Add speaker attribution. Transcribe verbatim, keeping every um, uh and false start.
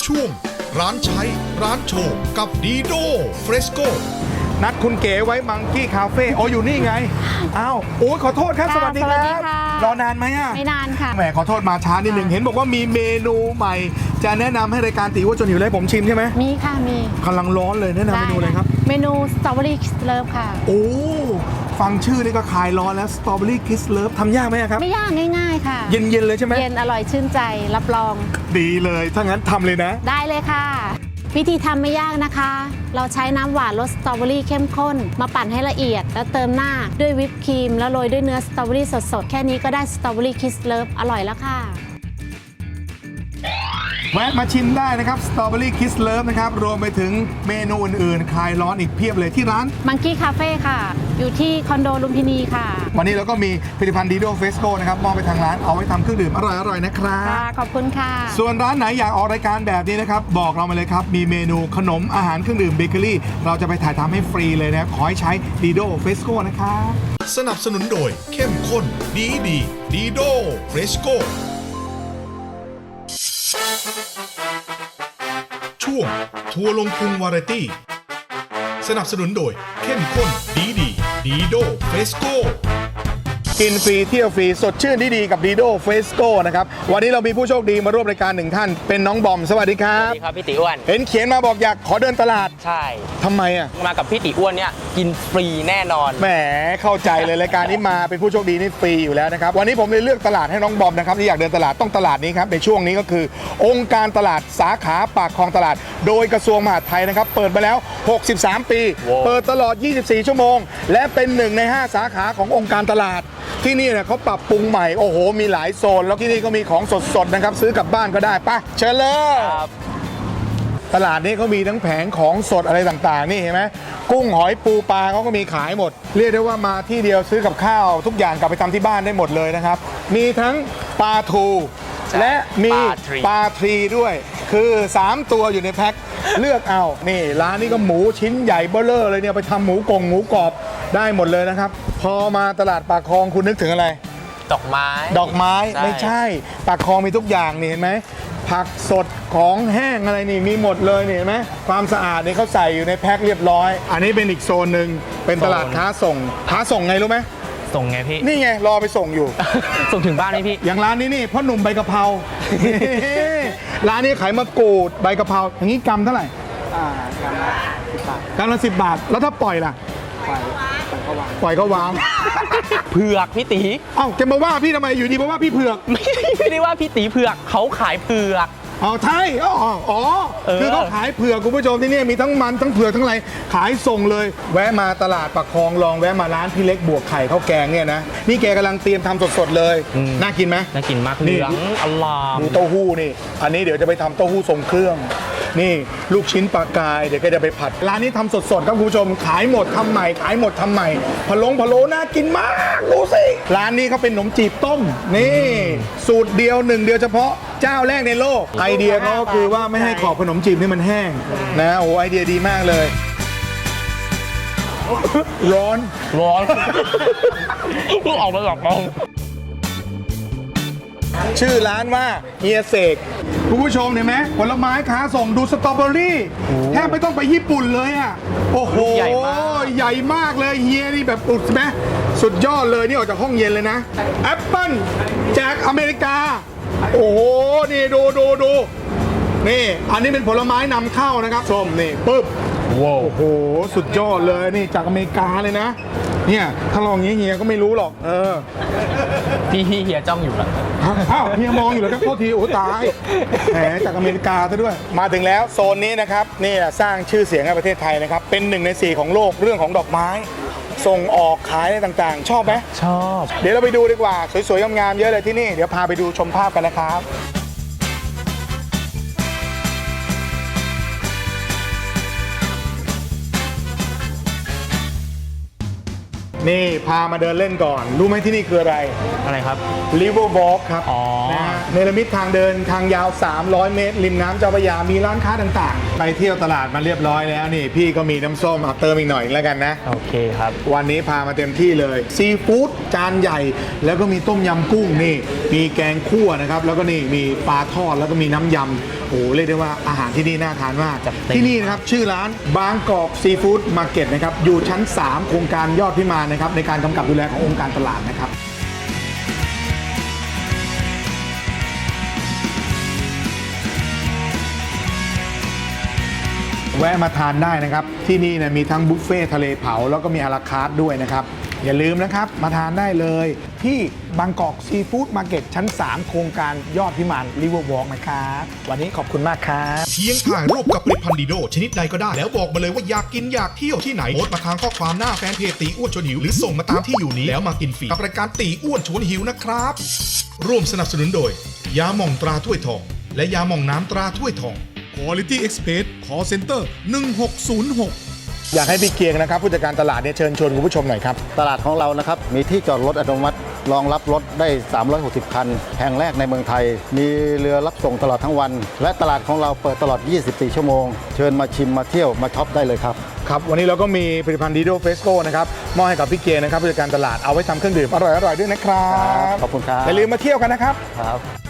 Speaker 1: ช่วงร้านใช้ร้านโชว์กับดีโดเฟรสโก
Speaker 2: นัดคุณเก๋ไว้มังกี้คาเฟ่โอ้อยู่นี่ไงอ้าวโอ้ยขอโทษครับสวัสดีครับรอนานไหมอ่ะ
Speaker 3: ไม่นานค่ะ
Speaker 2: แหมขอโทษมาช้านิดนึงเห็นบอกว่ามีเมนูใหม่จะแนะนำให้รายการตีว่าจนหิวเลยผมชิมใช่ไหม
Speaker 3: มีค่ะมี
Speaker 2: กำลังร้อนเลยแนะนำเมนูอะไรครับ
Speaker 3: เมนูสตรอเบอรี่คิสเลิฟค่ะ
Speaker 2: โอ้ฟังชื่อนี่ก็คลายร้อนแล้วสตรอเบอรี่คิสเลิฟทำยากไหมครับ
Speaker 3: ไม่ยากง่ายๆค่ะ
Speaker 2: เย็นๆเลยใช่ไหม
Speaker 3: เย็นอร่อยชื่นใจรับรอง
Speaker 2: ดีเลยถ้างั้นทำเลยนะ
Speaker 3: ได้เลยค่ะวิธีทำไม่ยากนะคะ เราใช้น้ำหวานรสสตรอเบอรี่เข้มข้นมาปั่นให้ละเอียดแล้วเติมหน้าด้วยวิปครีมแล้วโรยด้วยเนื้อสตรอเบอรี่สดๆแค่นี้ก็ได้สตรอเบอรี่คิสเลิฟอร่อยแล้วค่ะ
Speaker 2: แวะมาชิมได้นะครับสตรอเบอรี่คิสเลิฟนะครับรวมไปถึงเมนูอื่นๆคลายร้อนอีกเพียบเลยที่ร้าน
Speaker 3: มังกี้คาเฟ่ค่ะอยู่ที่คอนโดลุมพินีค่ะ
Speaker 2: วันนี้เราก็มีผลิตภัณฑ์ดีโดเฟสโก้นะครับมอบไปทางร้านเอาไว้ทำเครื่องดื่มอร่อยๆนะครับ
Speaker 3: ค่ะขอบคุณค่ะ
Speaker 2: ส่วนร้านไหนอยากออกรายการแบบนี้นะครับบอกเรามาเลยครับมีเมนูขนมอาหารเครื่องดื่มเบเกอรี่เราจะไปถ่ายทำให้ฟรีเลยนะครับขอให้ใช้ดีโดเฟสโก้นะครับ
Speaker 1: สนับสนุนโดยเข้มข้นดีดีดีโดเฟรสโกช่วงทัวร์ลงพุงวาไรตี้สนับสนุนโดยเข้มข้นดีดีดีโดเฟสโก
Speaker 2: กินฟรีเที่ยวฟรีสดชื่นดีๆกับดีโดเฟสโก้นะครับวันนี้เรามีผู้โชคดีมาร่วมรายการหนึ่งท่านเป็นน้องบอมสวัสดีครับ
Speaker 4: สวัสดีครับพี่ติอ้วน
Speaker 2: เห็นเขียนมาบอกอยากขอเดินตลาด
Speaker 4: ใช่
Speaker 2: ทำไมอ่ะ
Speaker 4: มากับพี่ติอ้วนเนี่ยกินฟรีแน่นอน
Speaker 2: แหมเข้าใจเลยรายการนี้มาเป็นผู้โชคดีนี่ฟรีอยู่แล้วนะครับวันนี้ผมเลยเลือกตลาดให้น้องบอมนะครับที่อยากเดินตลาดต้องตลาดนี้ครับในช่วงนี้ก็คือองค์การตลาดสาขาปากคลองตลาดโดยกระทรวงมหาดไทยนะครับเปิดมาแล้วหกสิบสามปี wow. เปิดตลอดยี่สิบสี่ชั่วโมงและเป็นหนึ่งในห้าสาขาขององค์การตลาดที่นี่เนี่ยเขาปรับปรุงใหม่โอ้โหมีหลายโซนแล้วที่นี่ก็มีของสดๆนะครับซื้อกลับบ้านก็ได้ปะเชิญเลยตลาดนี้เขามีทั้งแผงของสดอะไรต่างๆนี่เห็นไหมกุ้งหอยปูปลาเขาก็มีขายหมดเรียกได้ว่ามาที่เดียวซื้อกับข้าวทุกอย่างกลับไปทำที่บ้านได้หมดเลยนะครับมีทั้งปลาทูและมีปลาทรีด้วยคือสามตัวอยู่ในแพ็คเลือกเอานี่ร้านนี้ก็หมูชิ้นใหญ่เบ้อเร่อเลยเนี่ยไปทำหมูกงหมูกรอบได้หมดเลยนะครับพอมาตลาดปากคลองคุณนึกถึงอะไร
Speaker 4: ดอกไม้
Speaker 2: ดอกไม้ไม่ใช่ปากคลองมีทุกอย่างนี่เห็นไหมผักสดของแห้งอะไรนี่มีหมดเลยนี่เห็นไหมความสะอาดนี่เขาใส่อยู่ในแพ็คเรียบร้อยอันนี้เป็นอีกโซนหนึ่งเป็นตลาดค้าส่งค้าส่งไงรู้ไหม
Speaker 4: ส่งไงพี่
Speaker 2: นี่ไงรอไปส่งอยู่
Speaker 4: ส่งถึงบ้านไหมพี่
Speaker 2: อย่างร้านนี้นี่พ่อหนุ่มใบกะเพราร้านนี้ขายมะกรูดใบกะเพราอย่างนี้กรัมเท่าไหร่อ่ากรัมละสิบบาทแล้วถ้าปล่อยล่ะปล่อยเขาวาง
Speaker 4: เผือกพี่ตี
Speaker 2: เอ้าจะมาว่าพี่ทำไมอยู่ดีมาว่าพี่เผือก
Speaker 4: ไม่ไม่ได้ว่าพี่ตีเผือกเขาขายเผือก
Speaker 2: อ๋อใช่อ๋ออ๋อคือเขาขายเผือกคุณผู้ชมที่นี่มีทั้งมันทั้งเผือกทั้งอะไรขายส่งเลยแวะมาตลาดปากคลองลองแวะมาร้านพี่เล็กบวกไข่ข้าวแกงเนี่ยนะนี่แกกำลังเตรียมทำสดๆเลยน่ากินไหม
Speaker 4: น่ากินมากเหลืองอลาม
Speaker 2: ดูเต้าหู้นี่อันนี้เดี๋ยวจะไปทำเต้าหู้ทรงเครื่องนี่ลูกชิ้นปลากายเดี๋ยวก็จะไปผัดร้านนี้ทำสดๆครับคุณผู้ชมขายหมดทำใหม่ขายหมดทำใหม่พะโล้พะโล้น่ากินมากดูสิร้านนี้เขาเป็นขนมจีบต้มนี่สูตรเดียวหนึ่งเดียวเฉพาะเจ้าแรกในโลกไอเดียเขาก็คือว่าไม่ให้ขอบขนมจีบนี่มันแห้งนะโอ้ไอเดียดีมากเลยร้อน
Speaker 4: ร้อนเพิ่งออกมาจากกอง
Speaker 2: ชื่อร้านว่าเฮียเสกคุณผู้ชมเห็นไหมผลไม้ค้าส่งดูสตรอเบอรี่แทบไม่ต้องไปญี่ปุ่นเลยอ่ะโอ้โหใหญ่มากใหญ่มากเลยเฮียนี่แบบอุดใช่ไหมสุดยอดเลยนี่ออกจากห้องเย็นเลยนะแอปเปิ้ลจากอเมริกาโอ้โหนี่ดูดูดูนี่อันนี้เป็นผลไม้นำเข้านะครับส้มนี่ปึ๊บว้าวโอ้โหสุดยอดเลยนี่จากอเมริกาเลยนะเนี่ยถ้าลองอย่างเฮียก็ไม่รู้หรอกเออ
Speaker 4: พี่เฮียจ้องอยู่เหรอ
Speaker 2: อ้าวเฮียมองอยู่แล้วก็โทษทีโอ้ตายแหมจากอเมริกาซะด้วยมาถึงแล้วโซนนี้นะครับนี่สร้างชื่อเสียงให้ประเทศไทยนะครับเป็นหนึ่งในสี่ของโลกเรื่องของดอกไม้ส่งออกขายอะไรต่างๆชอบไหม
Speaker 4: ชอบ
Speaker 2: เดี๋ยวเราไปดูดีกว่าสวยๆงามๆเยอะเลยที่นี่เดี๋ยวพาไปดูชมภาพกันนะครับนี่พามาเดินเล่นก่อนรู้ไหมที่นี่คืออะไร
Speaker 4: อะไรครับ
Speaker 2: River Walk ครับ
Speaker 4: อ๋อ
Speaker 2: นะเนรมิตทางเดินทางยาวสามร้อยเมตรริมน้ำเจ้าพระยามีร้านค้าต่างๆไปเที่ยวตลาดมาเรียบร้อยแล้วนี่พี่ก็มีน้ำส้มเอาเติมอีกหน่อยแล้วกันนะ
Speaker 4: โอเคครับ
Speaker 2: วันนี้พามาเต็มที่เลยซีฟู้ดจานใหญ่ แล้วก็มีต้มยำกุ้งนี่มีแกงคั่วนะครับแล้วก็นี่มีปลาทอดแล้วก็มีน้ำยำโอ้โหเรียกได้ว่าอาหารที่นี่น่าทานมาก
Speaker 4: จัดเต็ม
Speaker 2: ที่นี่นะครับชื่อร้านบางกอกซีฟู้ดมาร์เก็ตนะครับอยู่ชั้น สาม โครงการยอดพิมานนะครับในการกำกับดูแลขององค์การตลาดนะครับแวะมาทานได้นะครับที่นี่เนี่ยมีทั้งบุฟเฟ่ทะเลเผาแล้วก็มีอาราคาร์ทด้วยนะครับอย่าลืมนะครับมาทานได้เลยที่บางกอกซีฟู้ดมาร์เก็ตชั้น สาม โครงการยอดพิมานริเวอร์วอล์กนะครับวันนี้ขอบคุณมากครับ
Speaker 1: เพียงถ่ายรูปกับผลิตภัณฑ์ดีโดชนิดใดก็ได้ แล้วบอกมาเลยว่าอยากกินอยากเที่ยวที่ไหนโพสต์มาทางข้อความหน้าแฟนเพจตีอ้วนชวนหิวหรือส่งมาตามที่อยู่นี้แล้วมากินฟรีกับรายการตีอ้วนชวนหิวนะครับร่วมสนับสนุนโดยยาหม่องตราถ้วยทองและยาหม่องน้ำตราถ้วยทอง Quality Express Call Center หนึ่งหกศูนย์หก
Speaker 2: อยากให้พี่เกียงนะครับผู้จัดการตลาดเนี่ยเชิญชวนคุณผู้ชมหน่อยครับ
Speaker 5: ตลาดของเรานะครับมีที่จอดรถอัตโนมัติรองรับรถได้สามร้อยหกสิบคันแห่งแรกในเมืองไทย มีเรือรับส่งตลอดทั้งวัน และตลาดของเราเปิดตลอดยี่สิบสี่ชั่วโมงเชิญมาชิมมาเที่ยวมาช็อปได้เลยครับ
Speaker 2: ครับวันนี้เราก็มีผลิตภัณฑ์ดีโดเฟสโก้นะครับมอบให้กับพี่เกียงนะครับผู้จัดการตลาดเอาไว้ทำเครื่องดื่มอร่อยๆด้วยนะครับ
Speaker 5: ขอบคุณครับ
Speaker 2: อย่าลืมมาเที่ยวกันนะครับ
Speaker 5: ครับ